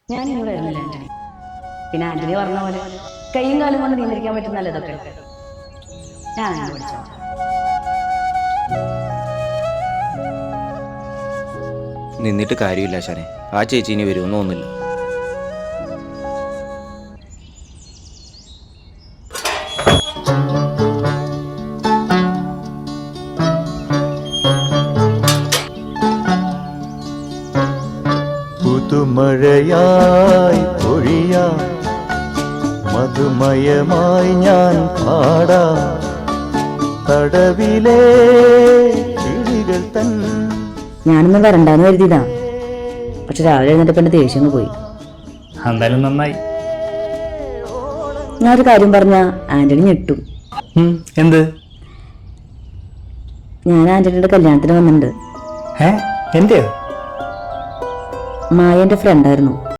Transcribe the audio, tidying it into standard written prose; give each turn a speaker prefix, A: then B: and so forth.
A: ഞാൻ ഇനി വരുന്നില്ല ആന്റണി. പിന്നെ ആന്റണി പറഞ്ഞ പോലെ കൈയും കാലും കൊണ്ട് നിയന്ത്രിക്കാൻ പറ്റുന്നല്ലോ ഇതൊക്കെ. ഞാൻ അങ്ങനെ പഠിച്ചോ.
B: നിന്നിട്ട് കാര്യമില്ല ശരേ. ആ ചേച്ചി ഇനി വരുമെന്ന് തോന്നുന്നില്ല.
C: പുതുമഴയായി പൊഴിയാം, മധുമയമായി ഞാൻ പാടാം, തടവിലെ കിളികൾ തൻ.
A: ഞാനൊന്നും വരണ്ടാന്ന് കരുതിയതാ. പക്ഷെ രാവിലെ എഴുന്നേറ്റപ്പോ എന്റെ ദേഷ്യം പോയി.
D: എന്തായാലും നന്നായി.
A: ഞാനൊരു കാര്യം പറഞ്ഞ ആന്റണി ഞെട്ടു.
D: എന്ത്?
A: ഞാൻ ആന്റണിയുടെ കല്യാണത്തിന് വന്നിട്ടുണ്ട്.
D: എന്റെയോ?
A: മായ എന്റെ ഫ്രണ്ടായിരുന്നു.